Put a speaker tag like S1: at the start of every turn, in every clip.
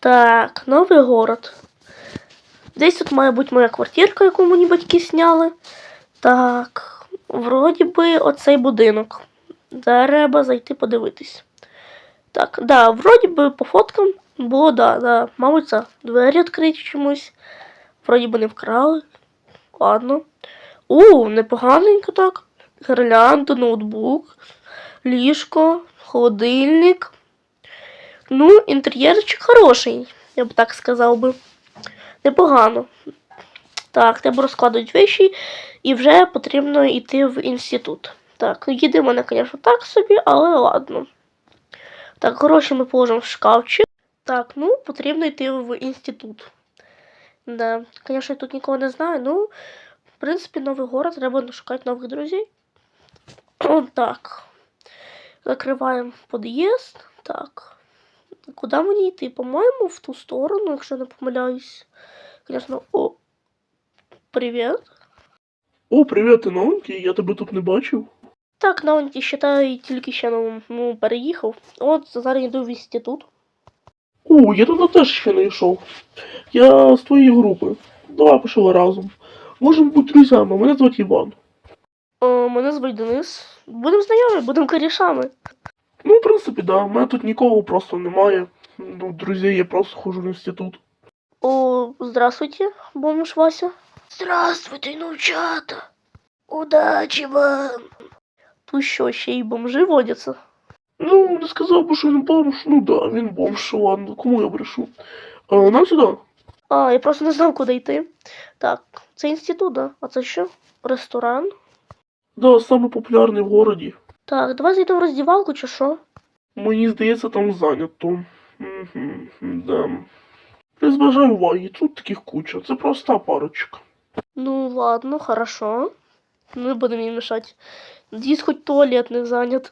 S1: Так, новий город. Десь тут має бути моя квартирка, яку мені батьки сняли. Так, вроді би оцей будинок. Треба зайти подивитись. Так, да, вроді би по фоткам було, да. Мабуть, це двері відкриті чомусь. Вроді би не вкрали. Ладно. Непоганенько так. Гірлянда, ноутбук, ліжко, холодильник. Ну, інтер'єрчик хороший, я б так сказав би. Непогано. Так, треба розкладати речі і вже потрібно йти в інститут. Так, їди в мене, звісно, так собі, але ладно. Так, гроші ми положимо в шкафчик. Так, ну, потрібно йти в інститут. Да, звісно, я тут нікого не знаю, ну, в принципі, новий город, треба шукати нових друзів. Так. Закриваємо під'їзд. Так. Куди мені йти? По-моєму, в ту сторону, якщо не помиляюсь. Звісно, привіт.
S2: О, привіт, ти новенький, я тебе тут не бачив.
S1: Так, новенький, считай, тільки ще переїхав. От, зараз йду в інститут.
S2: О, я туди теж ще не йшов. Я з твоєї групи. Давай пішли разом. Можемо бути друзями, мене звати Іван.
S1: Мене звуть Денис. Будемо знайомі, будемо корішами.
S2: Ну, в принципі, да, у мене тут нікого просто немає. Ну, друзі, я просто ходжу в інститут.
S1: Здравствуйте, бомж Вася. Здравствуйте, внучата. Удачі вам. Тут що, ще й бомжи водяться?
S2: Ну, не сказав би, що він бомж. Ну да, він бомж, ладно, кому я брешу. Нам сюди.
S1: Я просто не знав, куди йти. Так, це інститут, да? А це що? Ресторан?
S2: Да, саме популярний в городі.
S1: Так, давай зайдемо в роздівалку, чи що?
S2: Мені здається, там зайнято. Да. Не зважай уваги, тут таких куча, це проста парочка.
S1: Ну, ладно, хорошо. Не будемо їм мешати. Надеюсь, хоть туалет не занят.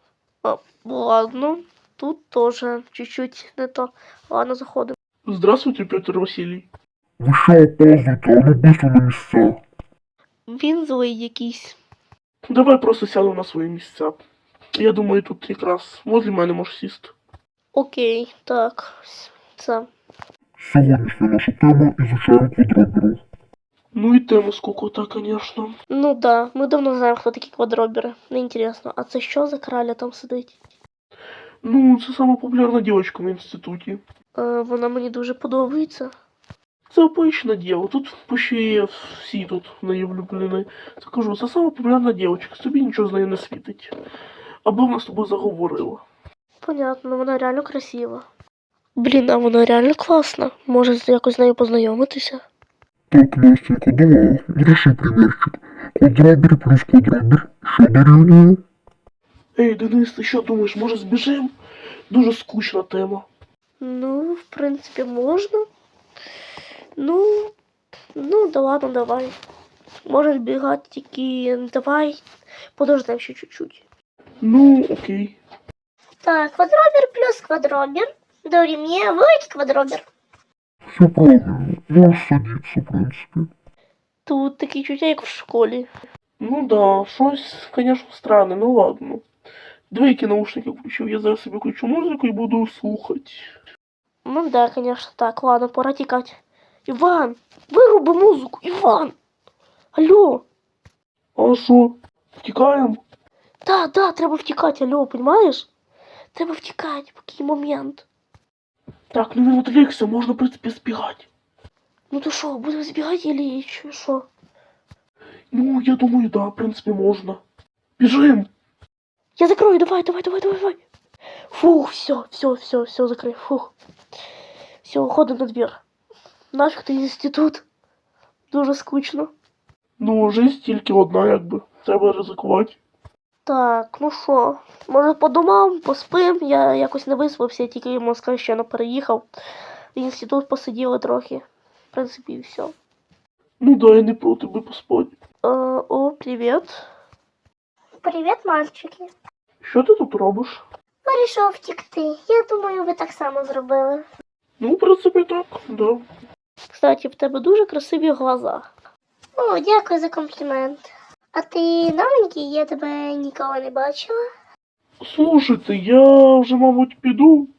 S1: Ладно, тут тоже чуть-чуть не то. Ладно, заходимо.
S2: Здравствуйте, Петр Василий.
S3: Ви що опаздуєте, а ну быстро на місця.
S1: Він злий якийсь.
S2: Давай просто сядемо на свої місця. Я думаю, тут якраз возле мене можеш сісти.
S1: Окей, так. Це.
S3: Сьогоднішня наша тема – ізучаємо квадроберу.
S2: Ну і тема скукота, конечно.
S1: Ну да, ми давно знаємо, хто такі квадробери. Неінтересно. А це що за краля там сидить?
S2: Ну, це сама популярна дівчинка в інституті.
S1: Вона мені дуже подобається.
S2: Це обична діва, тут почти всі тут в неї влюблені. Це кажу, це сама популярна дівчинка, тобі нічого з нею не світить. Аби вона з тобою заговорила.
S1: Понятно, вона реально красива. Блін, а вона реально класна. Може якось з нею познайомитися?
S3: Так, Настенька, давай, реши примерчик. Квадробер плюс квадробер. Що дорівнює?
S2: Ей, Денис, ти що думаєш, може збіжим? Дуже скучна тема.
S1: Ну, в принципі, можна. Ну, да ладно, давай. Може збігати тільки давай. Подождемо ще чуть-чуть.
S2: Ну, окей.
S4: Так, квадробер плюс квадробер дорівнює великий квадробер.
S3: Все правильно, можеш садитися, в принципі.
S1: Тут такі чуття, як в школі.
S2: Ну да, щось, конечно, странне, ну ладно. Двійки наушники включив, я зараз собі включу музику і буду слухати.
S1: Ну да, конечно, так, ладно, пора тікати. Іван, вируби музику, Іван! Алло!
S2: А що, втікаємо?
S1: Да, треба втікати, алло, понимаєш? Треба втікати, поки момент.
S2: Так, ну він відвлекся, можна, в принципі, збігати.
S1: Ну то що, будемо збігати или що?
S2: Ну, я думаю, да, в принципі, можна. Біжим!
S1: Я закрою, давай. Фух, все, закрой, фух. Все, уходим на двір. Нафіг ти інститут. Дуже скучно.
S2: Ну, жизнь тільки одна, якби. Треба ризикувати.
S1: Так, ну що, може по домам, поспим, я якось не виспався, тільки Москва ще не переїхав. В інститут посиділи трохи. В принципі, і все.
S2: Ну да, я не проти би поспати.
S1: Привіт.
S4: Привіт, мальчики.
S2: Що ти тут робиш?
S4: Вирішив втікти. Я думаю, ви так само зробили.
S2: Ну, в принципі, так, да.
S1: Кстати, в тебе дуже красиві глаза.
S4: О, дякую за комплімент. А ти новенький, я тебе ніколи не бачила.
S2: Слушайте, я вже, мабуть, піду.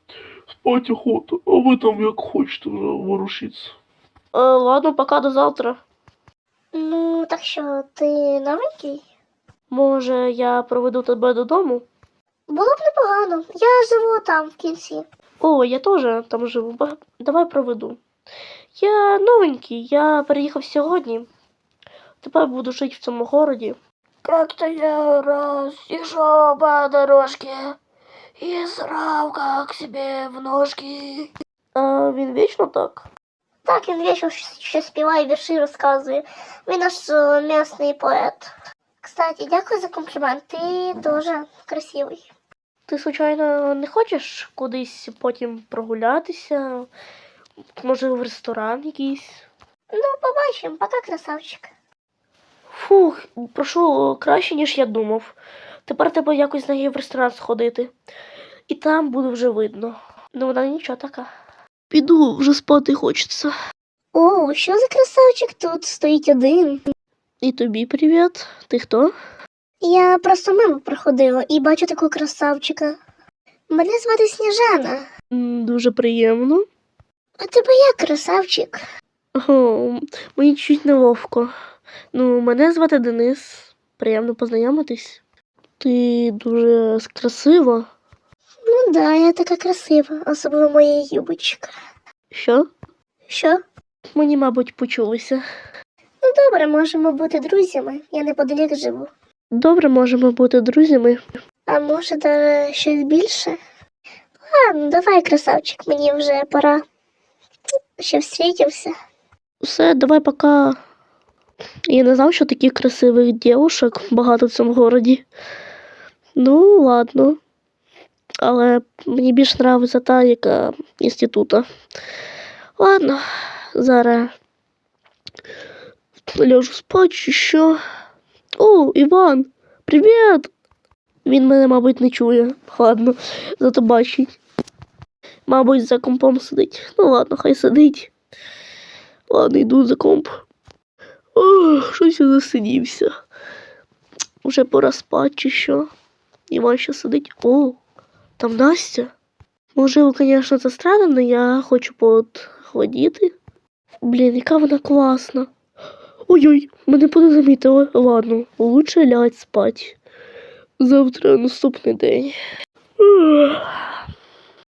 S2: Спать охота, а ви там як хочете вже ворушіться.
S1: Ладно, пока до завтра.
S4: Ну, так що, ти новенький?
S1: Може, я проведу тебе додому?
S4: Було б непогано. Я живу там в кінці.
S1: О, я теж там живу. Давай проведу. Я новенький, я переїхав сьогодні. Тепер буду жити в цьому городі. Как-то я раз шел по дорожке и срал как себе в ножки. А він вічно так?
S4: Так, він вічно ще співає, вірші розказує. Він наш місний поет. Кстати, дякую за комплімент. Ти дуже красивий.
S1: Ти, звичайно, не хочеш кудись потім прогулятися? Може, в ресторан якийсь?
S4: Ну, побачимо. Пока, красавчик.
S1: Фух, прошу, краще, ніж я думав. Тепер треба якось з нею в ресторан сходити. І там буде вже видно. Ну, вона нічого така. Піду, вже спати хочеться.
S4: О, що за красавчик тут стоїть один?
S1: І тобі привіт. Ти хто?
S4: Я просто мимо проходила і бачу такого красавчика. Мене звати Сніжана.
S1: Дуже приємно.
S4: А тебе як, красавчик?
S1: О, мені чуть неловко. Ну, мене звати Денис. Приємно познайомитись. Ти дуже красива.
S4: Ну да, я така красива, особливо моя юбочка.
S1: Що?
S4: Що?
S1: Мені, мабуть, почулося.
S4: Ну добре, можемо бути друзями. Я неподалік живу.
S1: Добре, можемо бути друзями.
S4: А може, даже щось більше? Ладно, давай, красавчик, мені вже пора. Ще встрітимся.
S1: Все, давай пока. Я не знав, що таких красивих дівушок багато в цьому городі. Ну, ладно. Але мені більш подобається та, яка інститута. Ладно, зараз ляжу спати чи що. О, Іван, привіт! Він мене, мабуть, не чує. Ладно, зато бачить. Мабуть, за компом сидить. Ну ладно, хай сидить. Ладно, йду за комп. Ох, щось я засидівся. Уже пора спати чи що. Іван ще сидить. О, там Настя. Можливо, звісно, це странно, але я хочу подходити. Блін, яка вона класна. Ой-ой, мене подозамітили. Ладно, лучше лягать спать. Завтра наступний день. Ух.